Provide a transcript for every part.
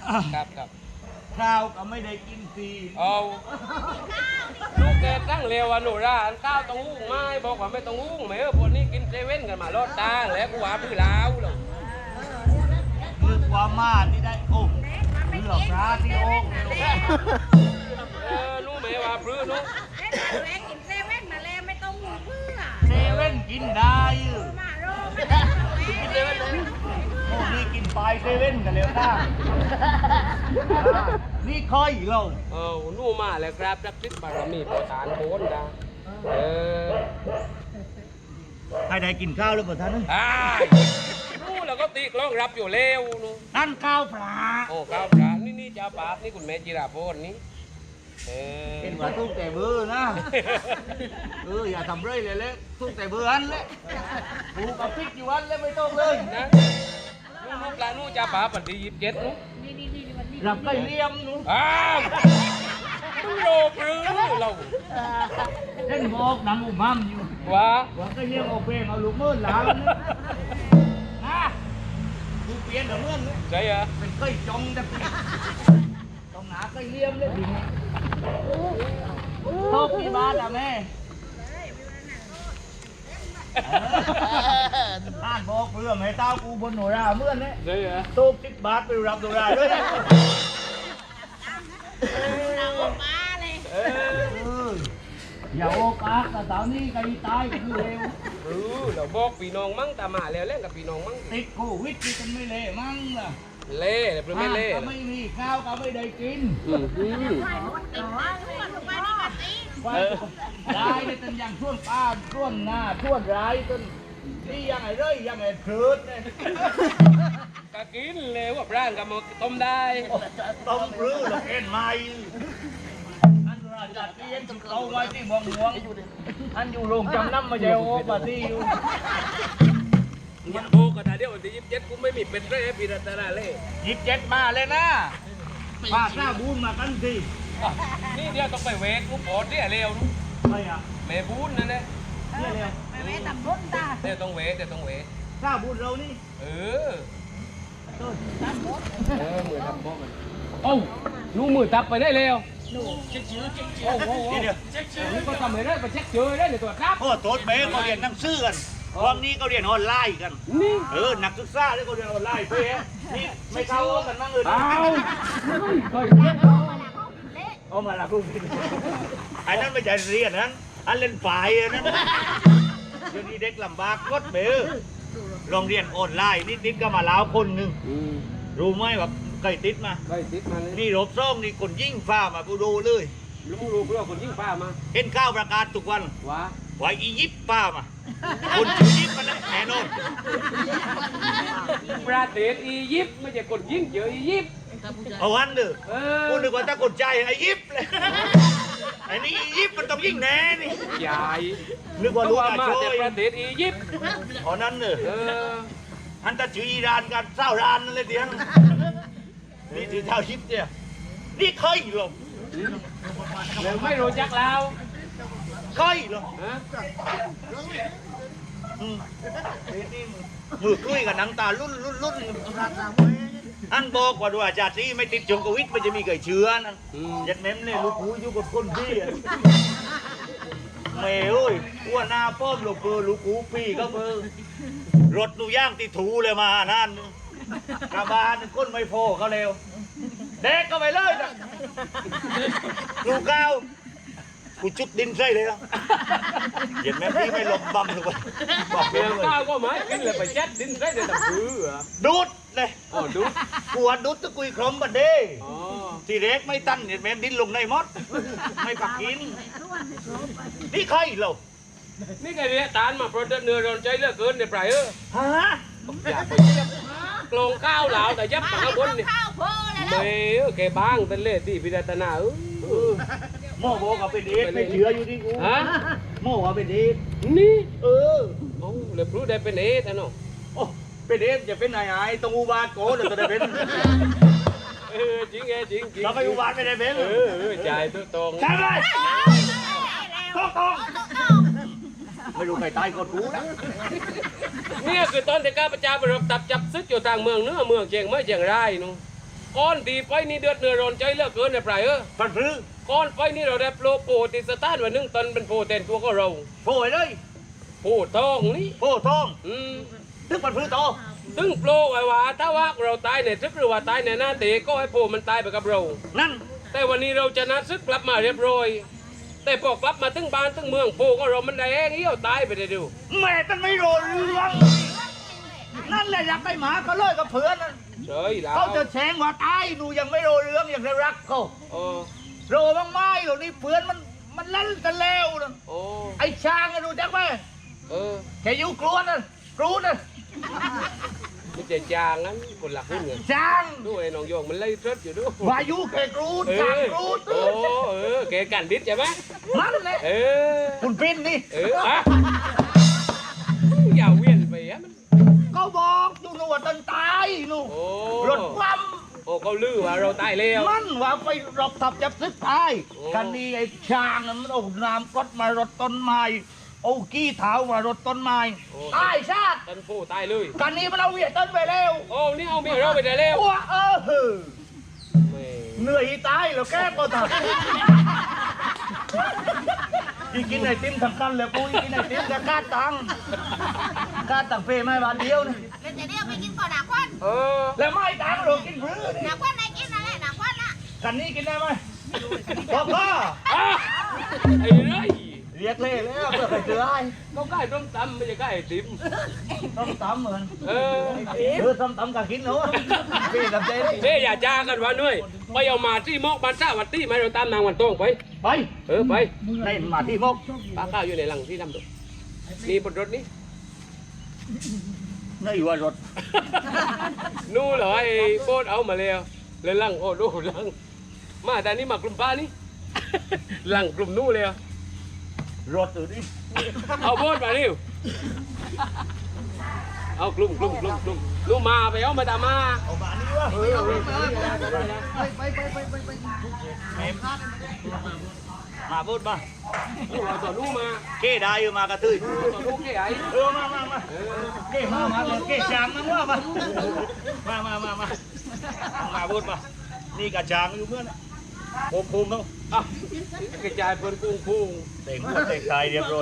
ครับข้าวก็ไม่ได้กินฟรีเอาลูกแกตั้งเร็วอ่ะหนูร้านข้าวต้องหุ้งไม้บอกว่าไม่ต้องหุ้งไหมพวกนี้กินเซเว่นกันมาลอดตั้งแล้วกูว่าพื้นล้าวหรอกคือความมาที่ได้โอ้เลือกร้านที่โอ้นู้ไหมว่าพื้นนู้แม่กินเซเว่นมาแล้วไม่ต้องหูเพื่อเซเว่นกินได้มาโรกินเซเว่นโอ้นี่กินปลายเซเว่นกันแล้วนะนี่ค่อยเรานู้มาแล้วครับรักทิศบารมีประธานโคนนะให้ได้กินข้าวแล้วประธานนู้แล้วก็ตีกล้องรับอยู่เร็วนู้นั่นข้าวปลาโอ้ข้าวปลานี่จ้าปานี่คุณแม่จิราพรนี่เห็นว่าทุกแต่เบอร์นะอย่าทำเรื่อยเลยเลยทุกแต่เบอร์อันเลยผูกกับพริกอยู่อันเลยไม่ต้องเลยนะนู้ปลานู้จ้าปาปัดดี27นู้รับไก่เลี้ยมนู้ต้องโลกหรือเราเล่นบอกหนังอุมัมอยู่ว่าไก่เลี้ยมเอาเพลงเอาลูกมือหลานนะดูเปลี่ยนกับเมื่อนใช่เหรอเป็นไก่จงแต่ต้องหาไก่เลี้ยมเลยโต๊ะที่บ้านอะแม่ท่านบอกเพื่อให้เต้ากูบนหนูราเมื่อนเนี่ยใช่เหรอโต๊ะ10 บาทไปรับหนูราด้วยอย่าโอกาสแต่สาวนี้ใครตายก็คือเร็วเราบอกพี่น้องมั่งตามาแล้วเล่นกับพี่น้องมั่งติดโควิดที่กันไม่เละมั่งล่ะเล่หรือไม่เล่ก็ไม่มีข้าวก็ไม่ได้กินได้เลยจนอย่างช่วงป้าช่วงหน้าช่วงร้ายจนนี่ยังไงเลยยังไงคืดเนี่ยก็กินเลยว่าร่างกับมาต้มได้ต้มรื้อหรอกเอ็นไม่อันราจัดเลี้ยงเอาไว้ที่บองหลวงอันอยู่โรงจำนำมาเจ้าโอ้ปาที่อยู่มันโบกันนะเดี๋ยววันที่27กูไม่มีเป็นไรปีรัตนาเล่ 27มาเลยนะปากหน้าบูนมากันสินี่เดี๋ยวต้องไปเวกลูกโอดเนี่ยเร็วลูกไม่อะแม่บูนนั่นแหละเนี่ยเร็วแม่ตำบุญตาเดี๋ยวต้องเวกหน้าบูนเรานี่ต้นตำบุญมือทำโบมันโอ้ลูกมือตับไปได้เร็วเช็คชื่อโอ้โหเดี๋ยวนี่ก็ทำไม่ได้ไปเช็คชื่อได้ในตัวครับโอ้โต๊ดเมย์เขาเรียนหนังสือกันวันนี้เขาเรียนออนไลน์กันนักศึกษาที่เขาเรียนออนไลน์เพื่อนี่ไม่เข้ากันบ้างเลยเอามาละคุณไอ้นั่นไม่ใช่เรียนนั้นอันเล่นฝ่ายนั้นเดี๋ยวนี้เด็กลำบากกดเบลโรงเรียนออนไลน์นิดๆก็มาแล้วคนหนึ่งรู้ไหมว่าใครติดมานี่รบซ่องนี่คนยิ่งฟ้ามากูดูเลยรู้เพื่อคนยิ่งฟ้ามาเห็นข้าวประกาศทุกวันว่าอียิปต์ฟ้ามาคนอียิปต์มันแน่นอนประเทศอียิปต์ไม่ใช่คนยิ่งเจออียิปต์เอาวันเด้อกูนึกว่าถ้าคนใจอียิปต์เลยไอ้นี่อียิปต์มันต้องยิ่งแน่นี่ใหญ่นึกว่ารู้มาแต่ประเทศอียิปต์อ๋อนั่นเด้ออันตะจืออิหร่านกันเศร้าอิหร่านนั่นเลยเดียวนี่ถือเท้ายิปต์เนี่ยนี่เคยหรอเดี๋ยวไม่รู้จักเราเคยหรอมือคุยกับหนังตาลุ่นอันบอกว่าดูอาจารย์ที่ไม่ติดจงโควิดมันจะมีเกิดเชื้อนั่นยัดเม้มเนี่ยลูกหูอยู่กับคนพี่เมย์เอ้ยอ้วนหน้าป้อมลูกเบอร์ลูกหูพี่ก็เบอร์รถดูย่างติดถูเลยมานั่นกระบาลก้นไม่พอเขาเร็วเด็กก็ไปเลยนะลูกก้าวกูจุดดินใส่เลยนะเห็นไหมพี่ไม่หลบบัมถูกไหมบอกเมียก้าวก็หมายกินเลยไปแจ๊ดดินใส่เลยแต่พื้นดูดเลยดูดกูว่าดูดตะกุยครมบัดเด้ทีเล็กไม่ตั้นเห็นไหมดินลงในมดไม่ปักกินนี่ใครเรานี่ไงเนี่ยตานมาโปรดเนื้อร้อนใจเลือกเกินในปลายฮะอยากไปกลงข้าวเหลาแต่ยับข้าวบนนี่ไม่แกบ้างเป็นเล่ที่พิจารณาโม่บอกว่าเป็นเอสไม่เชื่ออยู่ที่กูโม่ว่าเป็นเอสนี่เลยรู้ได้เป็นเอสนะเนาะเป็นเอสจะเป็นนายต้องอุบาทโก้เดี๋ยวจะได้เป็นจริงไงจริงเราไปอุบาทไม่ได้เป็นจ่ายตัวตรงใช่ไหมตรงไม่รู้ใครตายก่อนกูนะนี่คือตอนที่ข้าพเจ้าไปรบตับจับซึกอยู่ทางเมืองเนื้อเมืองเชียงไม่เชียงรายนู้ก้อนดีไปนี่เดือดเนื้อร้อนใจเหลือเกินในปลายพันพลื้อก้อนไปนี่เราได้โปรโปรติสตาร์วันหนึงตอนเป็นโปรเต็นตัวก็เราโผล่เลยโปรทองนี่โผล่ทองๆตึกพันพลื้อโตซึ่งโปรไว้ว่าถ้าว่าเราตายในซึกหรือว่าตายในหน้าเตะก็ให้โปรมันตายไปกับเรานั่นแต่วันนี้เราจะนัดซึกกลับมาเรียบร้อย แต่พอกลับมาถึงบ้านถึงเมืองโปรก็เรามันได้แห้งเหี้ยวตายไปได้ดูแม่ท่านไม่รู้เรื่องนั่นแหละอยากได้หมาก็เลยกับเพื่อนนั่นเฉยแล้วเขาจะแช่งว่าตายหนูยังไม่รู้เรื่องยังจะรักเขาโอ้โรบ้างไหมหรอกนี่เพื่อนมันเล่นกันแล้วนะโอ้ไอ้ช้างอะดูจักไหมเออแค่อยู่กลัวนั่นกรูนั่นไม่ใช่จางนั้นคนหลักขึ้นเงินช้างดูไอ้น้องโยงมันไล่เทิดอยู่ดูวายุแค่กรูเอช้างอกรูโอ้เออแกกันดิษใช่ไหมนั่นแหละเออคุณปิ้นนี่เอออะอย่าเวียนไปอะมันก็บอกอยู่หนูว่าตอนตายหนูโอ้รถคว่โอ้เขาลือว่าเราตายแล้วำมันว่าไปรบทับจับซึกตายโอ้กันนี้ไอ้ช้างนั้นมันเอาน้ำกดมารถต้นไม้เอากี้เท้ามารถต้นไม้ตายชาติตันผู้ตายเลยกันนี้มันเอาเวียดต้นไปแล้วโอ้นี่เอาเมียเราไปได้แล้วว้าแหม่เหนื่อยตายแล้วแก้ก็ทันที่กินไอติมสำคัญเลยปุ้ยกินไอติมจะกาดตังเฟไม่บาทเดียวนี่แล้วจะเรียกไปกินก่อนหนักวันเออแล้วไม่ตังเรากินพื้นหนักวันไหนกินอะไรหนักวันน่ะกันนี้กินได้ไหมบอกพ่ออ่ะไอ้ไรเรียกเล่แล้วเพื่อใครเจอไอ้เขาใกล้ต้มตำไม่ใช่ใกล้ไอติมต้องตำเหมือนเออต้องตำกับกินเนาะพี่ทำใจดิเฮ้ยอย่าจ้ากันวะนุ้ยไปเอามาที่มอกบ้านซ่าวันตี้มาเราตามนางวันโต้งไปไปเออไปในมาที่มกปลาข้าวอยู่ในหลังที่ทำดูนี่บนรถนี้นี่ว่ารถนู่นเหรอไอ้โคตรเอามาแล้วเลยหลังโอ้ดูหลังมาแต่นี่มากลุ่มป้านี่ หลังกลุ่มนู่นเลยรถอยู่นี่เอาโบดมาดิวเอากลุ่มนู่นมาไปเอามาตามมาเอามานี่วะมาพูดมานู่นเอาต่อนู่นมาเก้ได้อยู่มากระตุ้ยเอาต่อนู่นแค่ไหนมาเก้มาเก้จางมาว่ามาพูดมานี่กระจางอยู่เมื่อน่ะภูมิต้องอ่ะกระจายเปิดกุ้งพุงเต่งหัวเต่งไทยเรียบร้อย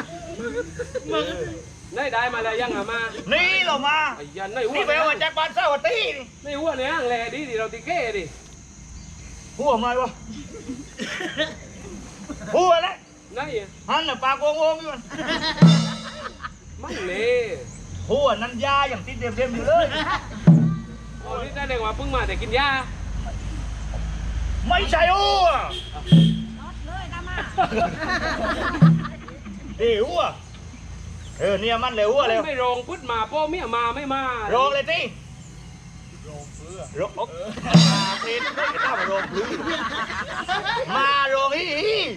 ได้มาแล้วยังอ่ะมานี่เรามาไอ้ยันในหัวนี่แปลว่าจากบ้านเศร้าตีนี่ในหัวเนี่ยแหล่ดิเราตีแค่ดิหัวมายวะหัวแล้วนั่นหันน่ะปากวงอยู่มันเล่หัวนั้นยาอย่างติดเต็มอยู่เลยโอ้นี่แสดงว่าเพิ่งมาแต่กินยาไม่ใช่หัวเลยตามมาดีหัวเนี่ยมันเลยหัวเลยไม่รองพุทธมาพ่อเมียมาไม่มาโรงเลยที่โรงเพื่อโรงมาเพนไม่ได้มาโรงพื้นมาโรงฮี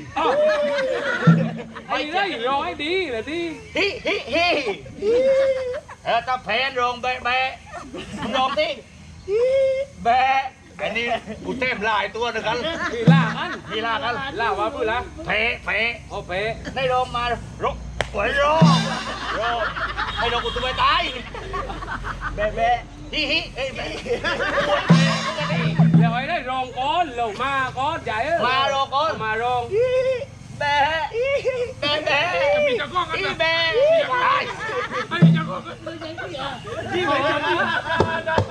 ไอ้ได้รอให้ดีเลยที่ฮิถ้าแพนโรงแบะโรงที่แบะอันนี้กูเต็มลายตัวนึงกันมีล่ากันมีลากันล่าว่าพูดละแผลเอาเป๊ในโรงมาโรงหวยโรงให้โรงกูตัวไปตายแบะฮิเอ้ยแบะเดี๋ยวไอ้ได้รองก้อนลงมาก้อนใหญ่มารองแบะมีจะก้องกันนะแบะที่ไหนจะ